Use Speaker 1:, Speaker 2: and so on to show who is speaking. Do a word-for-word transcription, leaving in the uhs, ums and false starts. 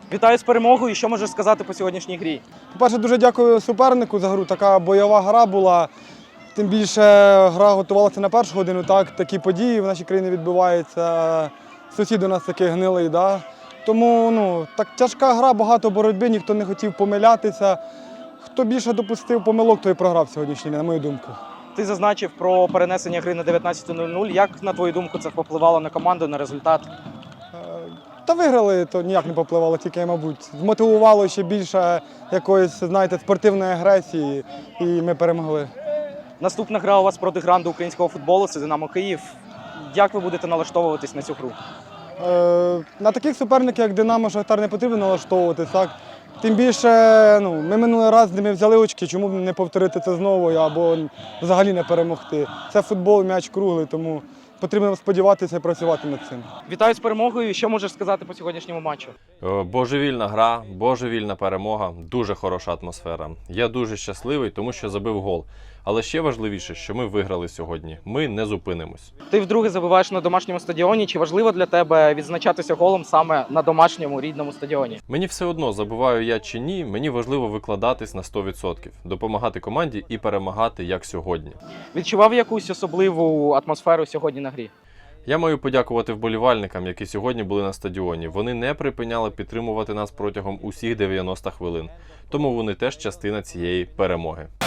Speaker 1: Вітаю з перемогою. Що можеш сказати по сьогоднішній грі?
Speaker 2: По-перше, дуже дякую супернику за гру. Така бойова гра була. Тим більше гра готувалася на першу годину. Так, такі події в нашій країні відбуваються. Сусід у нас такий гнилий. Да? Тому ну, так, тяжка гра, багато боротьби, ніхто не хотів помилятися. Хто більше допустив помилок, той і програв сьогоднішній, на мою думку.
Speaker 1: Ти зазначив про перенесення гри на дев'ятнадцяту нуль нуль. Як, на твою думку, це впливало на команду, на результат?
Speaker 2: Та виграли, то ніяк не попливало, тільки, мабуть, змотивувало ще більше якоїсь, знаєте, спортивної агресії, і ми перемогли.
Speaker 1: Наступна гра у вас проти гранду українського футболу – це «Динамо Київ». Як ви будете налаштовуватись на цю гру?
Speaker 2: Е, на таких суперників, як «Динамо», «Шахтар» не потрібно налаштовуватись, так? Тим більше, ну, ми минулий раз з ними взяли очки, чому б не повторити це знову або взагалі не перемогти. Це футбол, м'яч круглий, тому потрібно сподіватися і працювати над цим.
Speaker 1: Вітаю з перемогою. Що можеш сказати по сьогоднішньому матчу?
Speaker 3: Божевільна гра, божевільна перемога, дуже хороша атмосфера. Я дуже щасливий, тому що забив гол. Але ще важливіше, що ми виграли сьогодні. Ми не зупинимось.
Speaker 1: Ти вдруге забиваєш на домашньому стадіоні. Чи важливо для тебе відзначатися голом саме на домашньому рідному стадіоні?
Speaker 3: Мені все одно, забиваю я чи ні, мені важливо викладатись на сто відсотків, допомагати команді і перемагати, як сьогодні.
Speaker 1: Відчував якусь особливу атмосферу сьогодні на грі?
Speaker 3: Я маю подякувати вболівальникам, які сьогодні були на стадіоні. Вони не припиняли підтримувати нас протягом усіх дев'яноста хвилин. Тому вони теж частина цієї перемоги.